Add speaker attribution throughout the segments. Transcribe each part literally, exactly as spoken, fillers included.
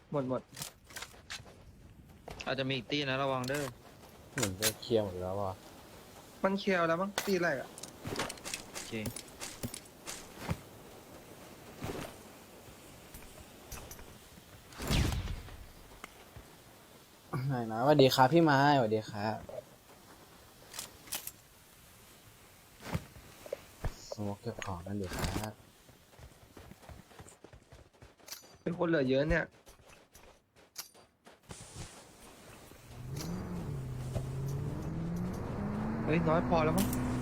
Speaker 1: หมดหมด
Speaker 2: อาจจะมีอีกตีนะระวังเด้อ
Speaker 3: เหมือนจะเคลียร์หมดแล้วว่ะ
Speaker 1: มันเคลียร์แล้วมั้งตีแรกอะ
Speaker 2: โอเค
Speaker 3: ไหนนะสวัสดีครับพี่ไม้สวัสดีครับสมกเก็บของกันอยู่ครับ
Speaker 1: เป็นคนเหลือเยอะเนี่ยเฮ้ยน้อยพอแล้วมั้ง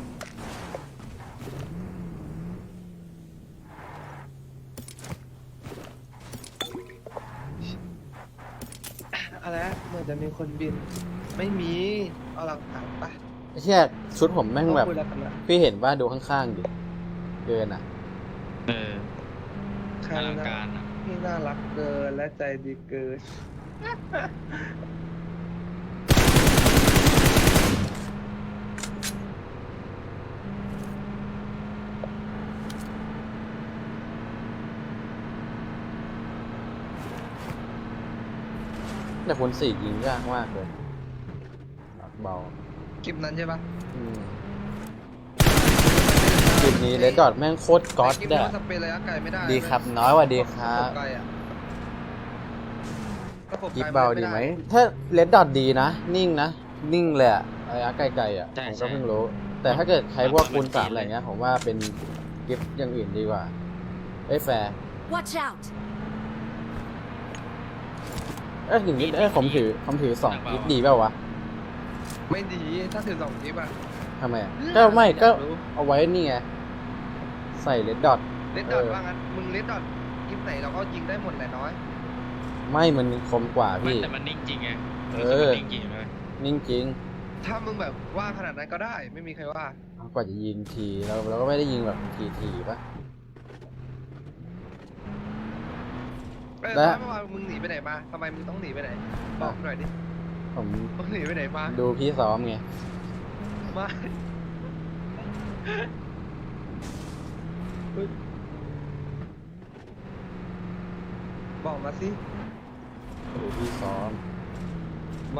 Speaker 1: อะไรนะเหมือนจะมีคนบินไม่มีเอาหลักฐานไป
Speaker 3: ไอ้เชี่ยชุดผมแม่งแบบ
Speaker 1: คุยแล้วกันนะ
Speaker 3: พี่เห็นว่าดูข้างๆดิเกินอ่ะ
Speaker 2: เออ
Speaker 1: ใคร
Speaker 2: อลัง
Speaker 1: นะ
Speaker 2: การอ่ะ
Speaker 1: ที่น่ารักเกินและใจดีเกิน
Speaker 3: แต่คนสี่ยิงยากมากเลยหนักเบา
Speaker 1: คลิปนั้นใช่ปะ
Speaker 3: อืมจุดนี้เลดดอทแม่งโคตรก๊อต
Speaker 1: คลิป
Speaker 3: เด้
Speaker 1: นี้
Speaker 3: อ
Speaker 1: มันสเปรย์ระยะไกลไม่ได้
Speaker 3: ดีครับน้อยกว่าดีครับ
Speaker 1: ไกลอะระบบ
Speaker 3: กิ
Speaker 1: ไก
Speaker 3: ฟ
Speaker 1: ล
Speaker 3: เบาดีไหมถ้าเลดดอทดีนะนิ่งนะนิ่งเลยอะระยะไกลๆอ่ะผมก็เพิ่งรู้ แต่ถ้าเกิดใช้พวกคูณสามอะไรเงี้ยผมว่าเป็นกิฟอย่างอื่นดีกว่าเอ้ยแฟร์
Speaker 4: Watch out!
Speaker 3: เอ้ยอย่างนี้เอ้ยผมถือผมถือสองกิฟดีเปล่าวะ
Speaker 1: ไม่ดีถ้าถือสองคลิปอะ
Speaker 3: ทำไมอะก็ไม่ก็เอาไว้นี่ไงใส่เลดดอท
Speaker 1: เลดดอทว่างั้นมึงเลดดอทคลิปไหนเราก็ยิงได้หมดแหละน้อย
Speaker 3: ไม่มันคมกว่า
Speaker 2: ไม่
Speaker 3: พี่
Speaker 2: แต่มันนิ่งจริงไง
Speaker 3: เอ
Speaker 2: รู้สึก
Speaker 3: อ
Speaker 2: มันนิ่งจริงเลย
Speaker 3: นิ่งจริง
Speaker 1: ถ้ามึงแบบว่าขนาดนั้นก็ได้ไม่มีใครว่าก
Speaker 3: ว่าจะยิงทีเราเราก็ไม่ได้ยิงแบบทีทีปะ
Speaker 1: เออ
Speaker 3: และ
Speaker 1: เมื่อวานมึงหนีไปไหนมาทำไมมึงต้องหนีไปไหนบอกหน่อยดิ
Speaker 3: ผม
Speaker 1: มึงหนีไปไหนมา
Speaker 3: ดูพี่ซ้อมไง
Speaker 1: มาเฮ้ยบอกมาสิ
Speaker 3: ดูพี่ซ้อม
Speaker 1: ไม่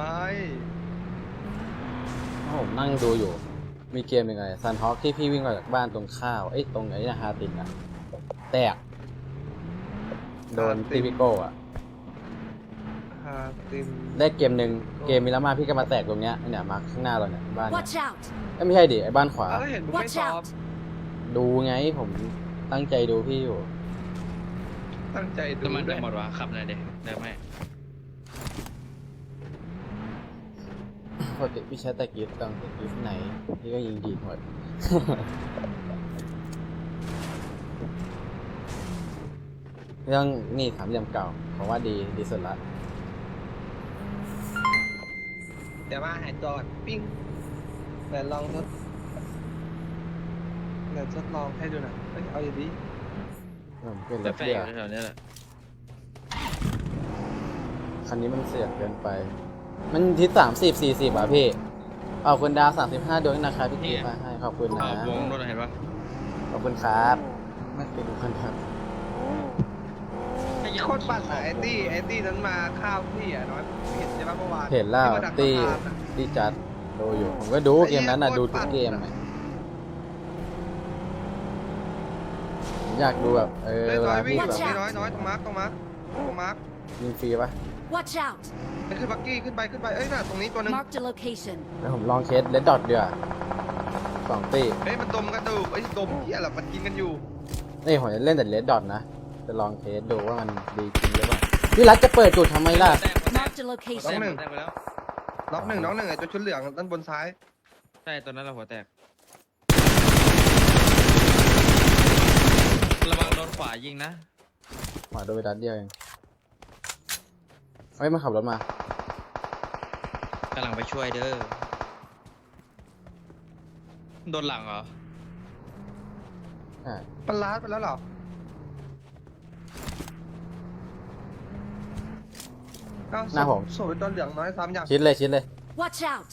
Speaker 3: ผมนั่งดูอยู่ มีเกมยังไงซันฮอคที่พี่วิ่งออกจากบ้านตรงข้าวเอ้ยตรงไหนนะฮาตินอะแตกโดนตีพิโก้อะ
Speaker 1: ฮาติม
Speaker 3: ได้เกมหนึ่งเกมมิลามาพี่ก็มาแตกตรงเนี้ยเนี่ยมาข้างหน้าเราเนี่ยบ้านเนี่ย
Speaker 4: Watch out!
Speaker 3: เอ้ยไม่ใช่ดิไอ้บ้านขวา
Speaker 1: อ้าวแล้วเห็นมึงไม่
Speaker 4: Watch
Speaker 1: ซ้อม
Speaker 4: out!
Speaker 3: ดูไงผมตั้งใจดูพี่อยู่
Speaker 1: ตั้งใจดู
Speaker 2: น้ำมัน
Speaker 1: ด้
Speaker 2: จะ
Speaker 1: วย
Speaker 2: หมดวะขับหน่อยเด็กเดี๋ยวไม่
Speaker 3: ปกติพี่ใช้แต่กิฟต์ตอนแต่กิฟต์ไหนพี่ก็ยิงดีหมด เรื่องนี่สามเหลี่ยมเก่าผมว่าดีดีสุดละ
Speaker 1: เดี๋ยวมาหายจอดปิ้งเดี๋ยวลองทดเดี๋ยวทดลองให้ดูหน่อยเอ้ยเอาอย่างนี้
Speaker 3: ผมเป็นร
Speaker 2: แต่
Speaker 3: ถ
Speaker 2: แฟ
Speaker 3: เบี
Speaker 2: น
Speaker 3: ย
Speaker 2: อยู่แถวๆนี้แหละ
Speaker 3: คันนี้มันเสียดเกินไป มันทิศสามสิบสี่สิบอ่ะพี่ เอาคุณดาวสามสิบห้าดวงนะครับพี่กีมาให้ขอบคุณ
Speaker 2: อ่า
Speaker 3: นะ
Speaker 2: วงรถเห็นปะ
Speaker 3: ขอบคุณครับไม่เป็นคนครับ
Speaker 1: โคตรปั่นอะไอ้ตี้ไอ้ตี้นั้นมาข้าวพี่อ่ะน้อยเห็นใช่ปะเมื่อวาน
Speaker 3: เห็นแล้ว
Speaker 1: ที่มาดัก
Speaker 3: ตี
Speaker 1: สะพานอะ
Speaker 3: ตีจัดดูอยู่ ผมก็ดูเกมนั้นน่ะดูทุกเกมอะผมอยากดูแบบเออ
Speaker 1: เอ้ย
Speaker 3: เว
Speaker 1: น้อ
Speaker 3: ลาย
Speaker 1: วิ่
Speaker 3: พี่
Speaker 1: ง
Speaker 3: แบบ
Speaker 1: นี่น้อยน้อยตรงมาร์กตรงมาร์กตรงมาร์ก
Speaker 3: ยิงฟรีปะ
Speaker 4: Watch out!
Speaker 1: ไปขึ้นบักกี้ขึ้นไปขึ้นไปเอ้ยน่ะตรงนี้ตัวหนึง
Speaker 4: Marked a location.
Speaker 3: แล้วผมลองเคสเลดดอทดีกว่าสองตี
Speaker 1: เฮ้ยมันดมกระดูกไอ้ยดมเหี้ยแหละมันกินกันอยู่
Speaker 3: นี่ผมจะเล่นแต่เลดดอทนะ จะลองเทสดูว่ามันดีจริงหรือเปล่าพี่รัฐจะเปิดจุดทำไมล่ะ
Speaker 2: แตกแตก
Speaker 4: Marked a
Speaker 2: แตก
Speaker 4: location.
Speaker 1: หนึ่ง
Speaker 2: แตกไปแล้ว
Speaker 1: ล็อกหนึ่งน้องหนึ่งไอ้ตัวชุดเหลืองด้านบนซ้าย
Speaker 2: ใช่ตอนนั้นเราหัวแตกระวังโดนขวายิงนะ
Speaker 3: หมาโดนไปดัดเดียวเองเฮ้ยมาขับรถมาก
Speaker 2: ำลังไปช่วยเด้อโดนหลังเหรอ
Speaker 3: ใช่
Speaker 1: มันล้าดไปแล้วเหรอเอ้า
Speaker 3: หน้าผม
Speaker 1: สวยตัวเหลืองน้อยซ้ำอย่าง
Speaker 3: ชิดเลยชิดเลย
Speaker 4: Watch out!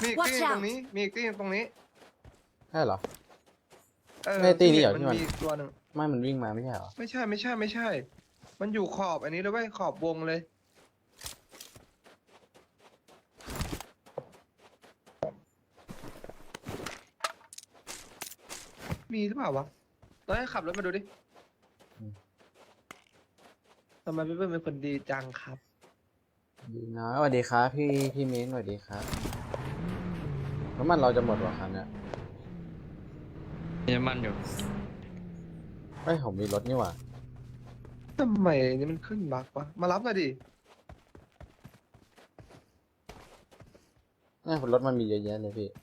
Speaker 1: มีอีก
Speaker 4: Watch
Speaker 1: ที่ตรง
Speaker 4: out
Speaker 1: นี้ มีอีกที่ตรงนี้
Speaker 3: ใช่เหรอ
Speaker 1: เออ
Speaker 3: ไม่ตีนี่เหรอ
Speaker 1: มัน
Speaker 3: ที่มัน
Speaker 1: มีตัวหนึ่ง
Speaker 3: ไม่มันวิ่งมาไม่ใช่เหรอ
Speaker 1: ไม่ใช่ไม่ใช่ไม่ใช่ มันอยู่ขอบอันนี้เลยเว้ยขอบวงเลย มีหรือเปล่าวะเราให้ขับรถมาดูดิ
Speaker 3: อืม
Speaker 1: ทำไมพี่เปิ้ลเป็นคนดีจังครับ
Speaker 3: ดีนะสวัสดีครับพี่พี่มิ้นสวัสดีครับน้ำมันเราจะหมดว่ะคันเนี้ย
Speaker 2: มีน้ำมันอยู่
Speaker 3: เฮ้ยผมมีรถนี่หว่า
Speaker 1: ทำไมนี่มันขึ้นบักวะ มารับหน่อยดิ
Speaker 3: เนี่ยรถมันมีเยอะแยะเลยพี่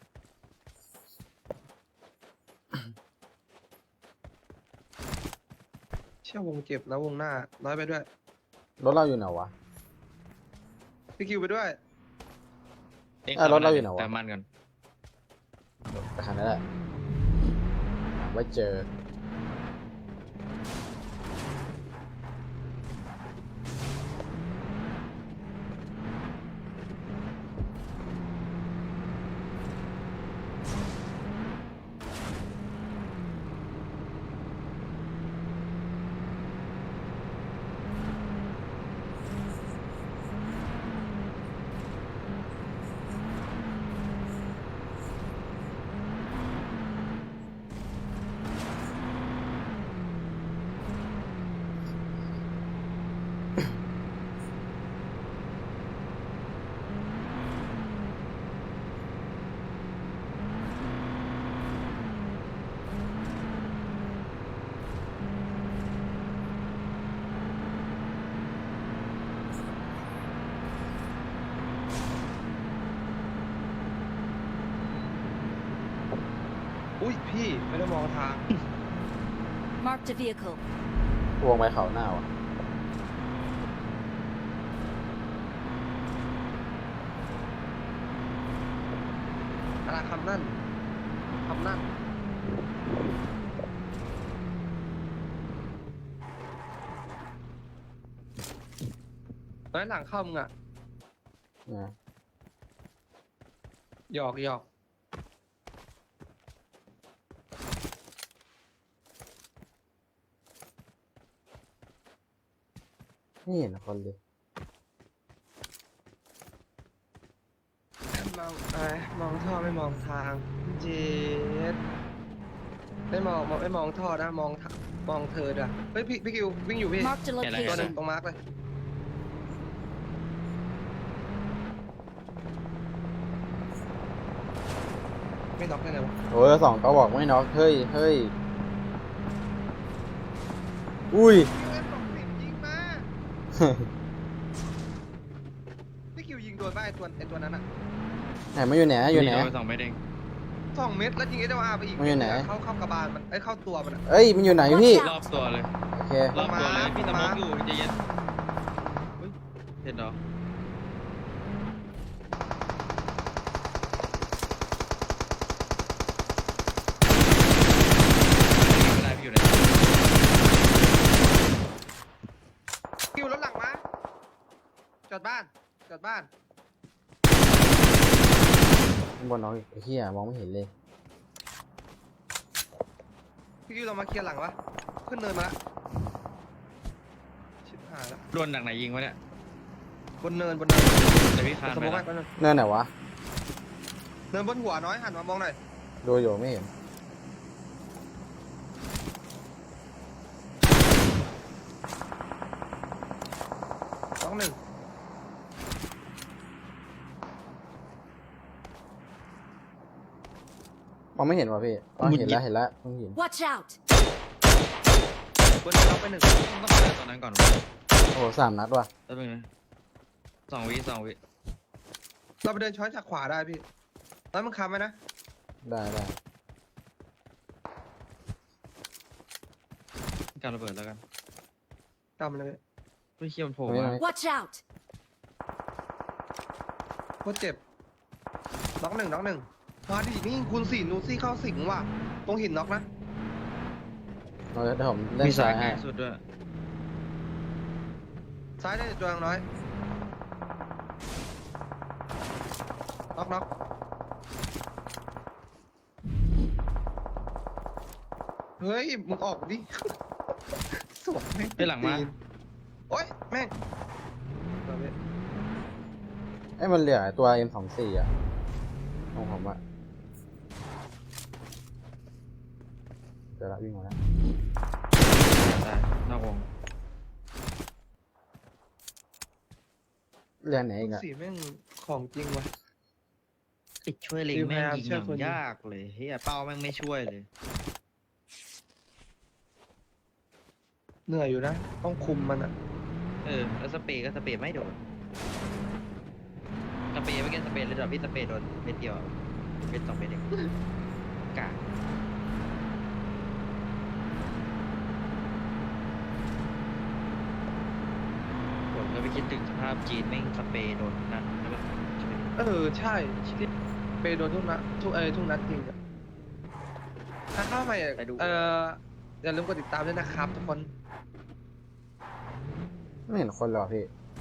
Speaker 1: เชี่ยวงเจ็บนะวงหน้า น้อยไปด้วย
Speaker 3: รถเราอยู่ไหนวะ
Speaker 1: พี่คิวไปด้วย
Speaker 2: เอ๊ะ
Speaker 3: อ่ะรถเราอยู่ไหนวะ
Speaker 2: เติมมันก่อน
Speaker 3: ไปคันนั้นแหละหาไว้เจอ
Speaker 1: อุ้ยพี่ไม่ได้มองทาง
Speaker 4: Marked a vehicle.
Speaker 3: วงไปเขาหน้าว่ะ
Speaker 1: อะไรคำนั่นคำนั่นร้อยหลังเข้ามึงอ่ะ
Speaker 3: นะ
Speaker 1: หยอกหยอก
Speaker 3: ไม่เห็นคนเลย
Speaker 1: มองไอ้มองท่อไม่มองทางเจ็ดไม่มองมองไม่มองท่อนะมองทางมองเธอด้วยเฮ้ยพี่พี่คิววิ่งอยู่พี่
Speaker 4: Marked a
Speaker 1: ตัวหนึ่ง
Speaker 4: location.
Speaker 1: ตรงมาร์กเลยไม่น็อกได้ไงวะ
Speaker 3: โอ้ยสองก็บอกไม่น็อกเฮ้ยเฮ้ยอุ้ย
Speaker 1: คิวเอฟสองสิบยิงมาพี่คิวยิงโดนป่ะไอตัวไอตัวนั้นอ่ะ
Speaker 3: ไหนมาอยู่ไหนอยู่ไหน
Speaker 2: โดนสองเม็ดเอง
Speaker 1: สองเม็ดแล้วยิงเอสอาร์ไปอีก
Speaker 3: มันอยู่ไหน
Speaker 1: เข้าเข้ากระบาลมันไอยเข้าตัวมันอะ
Speaker 3: เอ้ยมันอยู่ไหนพี่
Speaker 2: รอบตัวเลย
Speaker 3: โอเค
Speaker 2: รอบตัวเลย
Speaker 1: มา
Speaker 2: พี่ตะม
Speaker 1: มา
Speaker 2: กอยู่ใจเย็นเฮ้ยเห็นเหรอไม่ได้พี่อยู่ไหน
Speaker 1: คิวรถหลังมาจอดบ้านจอดบ้าน
Speaker 3: ข้างบนน้องอีกไอ้เหี้ยมองไม่เห็นเลย
Speaker 1: พี่คิวเรามาเคลียร์หลังวะขึ้นเนินมาละชิบหายละ
Speaker 2: โดนหนักไหนยิงวะเนี่ย
Speaker 1: บนเนินบนเนิน
Speaker 2: แต่พี่คาน
Speaker 1: สม
Speaker 2: ไป
Speaker 1: มติ
Speaker 2: แล้
Speaker 1: ว่าว แป๊บนึง
Speaker 3: เนินไหนวะ
Speaker 1: เนินบนหัวน้อยหันมามองหน่อย
Speaker 3: ดูอยู่ไม่เห็น
Speaker 1: สองหนึ่ง
Speaker 3: มองไม่เห็นวะพี่อ๋อเห็นแล้วเห็นแล้วเพิ่งเห็น
Speaker 4: Watch out.
Speaker 1: บนเนินเราไปหนึ่ง
Speaker 2: ต้องไปตอนนั้นก่อนวะ
Speaker 3: โอ้โหสามนัดว่ะ
Speaker 2: แป๊บนึงนะสองวิสองวิ
Speaker 1: เราไปเดินช้อนจากขวาได้พี่แล้วมึงค้ำไว้นะ
Speaker 3: ได้ได้
Speaker 2: การระเบิดแล้วกัน
Speaker 1: จำเลย
Speaker 2: ไม่เคี่ยวมันโผล่
Speaker 3: ตรงนี้
Speaker 2: มา
Speaker 3: ตรงนี้
Speaker 4: Watch out.
Speaker 1: โคตรเจ็บน็อกหนึ่งน็อกหนึ่งมาดินี่คูณสี่นูซี่เข้าสิงว่ะตรงหินน็อกนะ
Speaker 3: เอาเดี๋ยวผมเล่น
Speaker 2: มีสา
Speaker 3: ซ้าย ย
Speaker 2: ไกล
Speaker 3: ให้
Speaker 2: สุดด้วย
Speaker 1: ซ้ายได้ตัวอย่างน้อยน็อกน็อกเฮ้ยมึงออกดิ สวนแม่ง
Speaker 2: ไปหลังมา
Speaker 1: ตีนโอ๊ยแม่งเอาไป
Speaker 3: ไอ้ยมันเหลือตัว เอ็ม สองสิบสี่ อ่ะของผมอะเดี๋ยวละวิ่งมาแล้ว
Speaker 2: ตายนอกวง
Speaker 3: เรียนไหนอี
Speaker 1: คุณ
Speaker 3: กอะ
Speaker 1: สีแม่งของจริงว่ะ
Speaker 2: ไอ้ช่วยเล็ง
Speaker 1: คือพ
Speaker 2: แม่ง
Speaker 1: ยายาม
Speaker 2: ยิง
Speaker 1: ช่
Speaker 2: อ
Speaker 1: วย
Speaker 2: ย่าง
Speaker 1: คนยิง
Speaker 2: ยากเลยเฮียเป้าแม่งไม่ช่วยเลย
Speaker 1: เหนื่อยอยู่นะ ต้องคุมมันอ่ะ
Speaker 2: เออแล้วสเปรย์ก็สเปรย์ไม่โดนสเปรย์ไม่เก็ตสเปรย์เลยดอกพี่สเปรย์โดนเม็ดเดียวเป็นสองเม็ดเองกากผมก็ไปคิดถึงสภาพจีนแม่งสเปรย์โดนนั่นแล้วแบบ
Speaker 1: เออ ใช่ที่ไปโดนทุกนัดทุกเออทุกนัดจริงอ่ะถ้าเข้าไปอ่ะ
Speaker 2: ไปดู
Speaker 1: เอออย่าลืมกดติดตามด้วยนะครับทุกคน
Speaker 3: ไม่เห็นคนหรอกพี่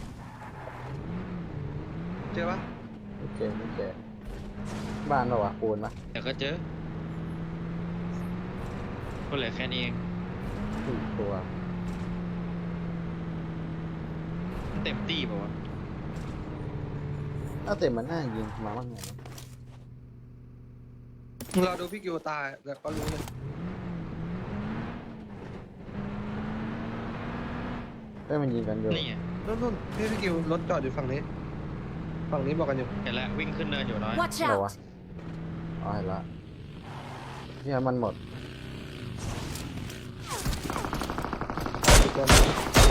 Speaker 1: เจอปะ
Speaker 3: โอเคโอเคบ้านเราอะปูนปะ
Speaker 2: แต่ก็เจอก็เหลือแค่นี้เอง
Speaker 3: สี่ตัว
Speaker 2: เต็มตีป่าวะ
Speaker 3: ถ้าเต็มมันน่ายิงมาบ้างไงนะ
Speaker 1: เราดูพี่กิวตายแล้วก็รู้เลย
Speaker 3: เฮ้ยมันยิงกันอยู่
Speaker 2: นี่ไง
Speaker 1: นู่นนู่นพี่พี่กิวรถจอดอยู่ฝั่งนี้ ฝั่งนี้บอกกันอยู่
Speaker 2: เห็นแล้ววิ่งขึ้นเนินอยู่น้อย
Speaker 4: Watch
Speaker 3: เหรอวะ
Speaker 4: out!
Speaker 3: อ๋อเห็นละเนี่ยมันหมด
Speaker 1: อยู่ตัวนี้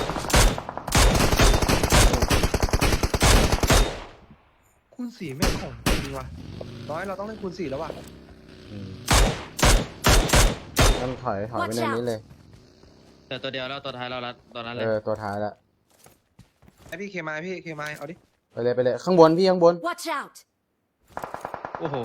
Speaker 1: คูณสี่แม่งของจริงว่ะร้อยเราต้องเล่นคูณสี่แล้วว่ะ
Speaker 3: อืมมันถอยถอยไป
Speaker 4: Watch
Speaker 3: ในนี้เลย
Speaker 2: แต่ตัวเดียวแล้วตัวท้ายเราละตอนนั้นเล
Speaker 3: เอย อตัวท้ายละ
Speaker 1: ไอพี่เคมายพี่เคมายเอาดิ
Speaker 3: ไปเลยไปเลยข้างบนพี่ข้างบน
Speaker 4: Watch out!
Speaker 2: โอ้โห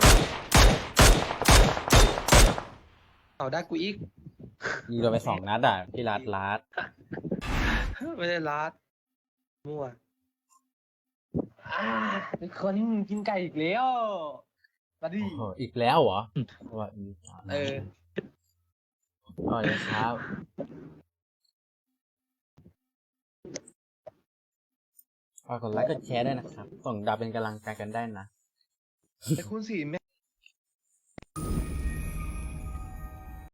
Speaker 1: เอาได้กูอีก
Speaker 3: ยิงเราไปสองนัดอ่ะพี่ลัดลัด
Speaker 1: ไม่ได้รัดมั่วอ่าเป็นคนที่มึงกินไก่อีกแล้วมาดิ
Speaker 3: โอ้โหอีกแล้วเหรอว่าอีก
Speaker 1: เออ
Speaker 3: อ๋อเลยครับฝากกดไลค์กดแชร์ด้วยนะครับส่งดาวเป็นกำลังใจกันได้นะ
Speaker 1: ไอคูณสี่แม่ง